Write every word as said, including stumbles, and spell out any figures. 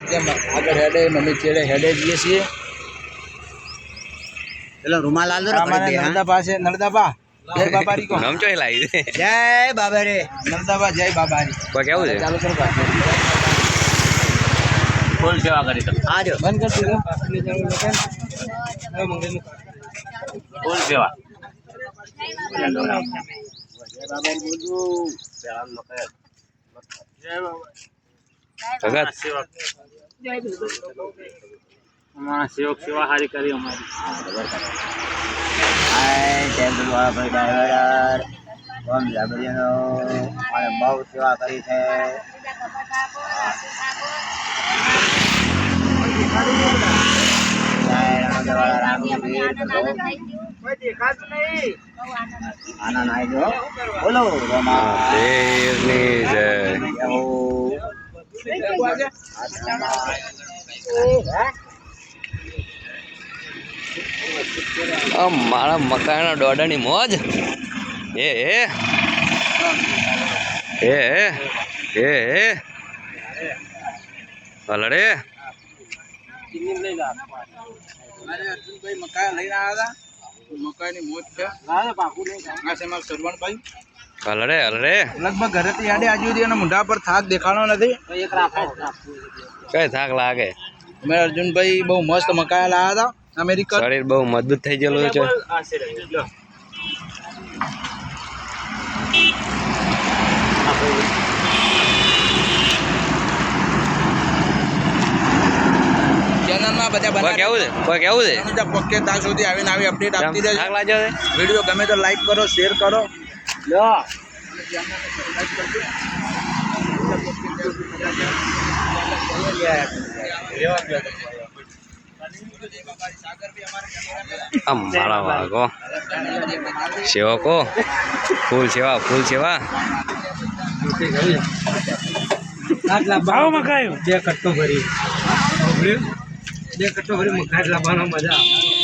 આગળ હેડે મમ્મી ચેડે હેડે જઈએ છીએ પેલો રૂમાલ આલ દો ને પડી દે નર્મદા પાસે નર્મદા જય બાબારી કો નામ ચોઈ લાવી દે જય બાબા રે નર્મદા જય બાબારી કોઈ કેવું છે ચાલુ કરો ફૂલ સેવા કરી તમે આ જો બંધ કરી દીધો ફૂલ સેવા જય બાબા બોલજો ભગત અમારા સેવક સેવા સારી કરી અમારી હાય જય ગુરુવાળા ભાઈ ડ્રાઈવર ઓમ જાબરીનો અને બહુ સેવા કરી છે જય રામદેવાળા રામવીર આના નાઈ જો બોલો રમા દેવની જય આ મારા મકાઈના દોડાની મોજ એ એ એ એ એ હલડે અર્જુનભાઈ મકાઈ લઈને આવ્યા હતા મકાઈની મોજ છે આ છે મારા સરવણભાઈ હલડે હલડે લગભગ ઘરેથી યાડે આજુ સુધી એના મોઢા પર થાક દેખાડો નથી કઈ થાક લાગે મેં અર્જુનભાઈ બહુ મસ્ત મકાઈ લાવ્યા હતા અમેરિકન શરીર બહુ મજબૂત થઈ ગયેલું છે ચેનલમાં બધા કોઈ બનાવી કેવું છે કોઈ કેવું છે પક્કે ત્યાં સુધી આવીને આવી અપડેટ આપતી રહેજો થાક લાગ્યો છે વિડીયો ગમે તો લાઈક કરો શેર કરો આમ મારા વાગો સેવકો ફૂલ સેવા ફૂલ સેવા ભાવ મકાયો બે કટ્ટો ભરી બે કટ્ટો ભરી મકાઈ લાવવાનો મજા આવે